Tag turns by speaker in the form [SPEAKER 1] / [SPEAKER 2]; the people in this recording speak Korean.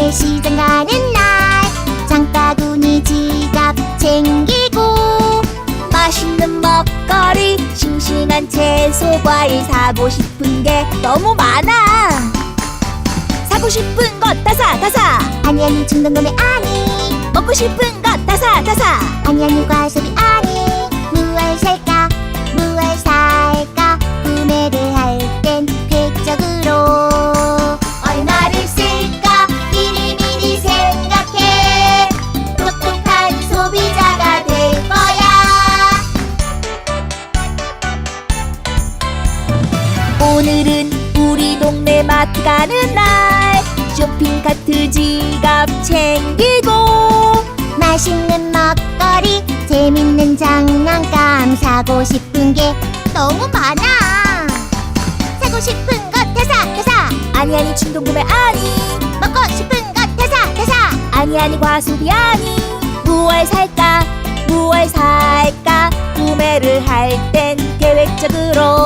[SPEAKER 1] 함께 시장 가는 날 장바구니 지갑 챙기고
[SPEAKER 2] 맛있는 먹거리, 싱싱한 채소, 과일 사고 싶은 게 너무 많아. 사고 싶은 것 다 사, 다 사.
[SPEAKER 1] 아니 아니 충동구매 아니
[SPEAKER 2] 먹고 싶은 것 다 사, 다 사.
[SPEAKER 1] 아니 아니 과소비 아니 무얼 살까 무얼 살까 구매를 할 땐 계획적으로 얼마를 쓸까 미리미리 생각해 똑똑한 소비자가 될 거야.
[SPEAKER 2] 오늘은 우리 동네 마트 가는 날 쇼핑카트 지갑 챙기고
[SPEAKER 1] 맛있는 먹거리 재밌는 장난감 사고 싶은 게 너무 많아. 사고 싶은 것 다 사, 다 사.
[SPEAKER 2] 아니 아니 충동구매 아니
[SPEAKER 1] 먹고 싶은 것 다 사, 다 사.
[SPEAKER 2] 아니 아니 과소비 아니 무얼 살까 무얼 살까 구매를 할 땐 계획적으로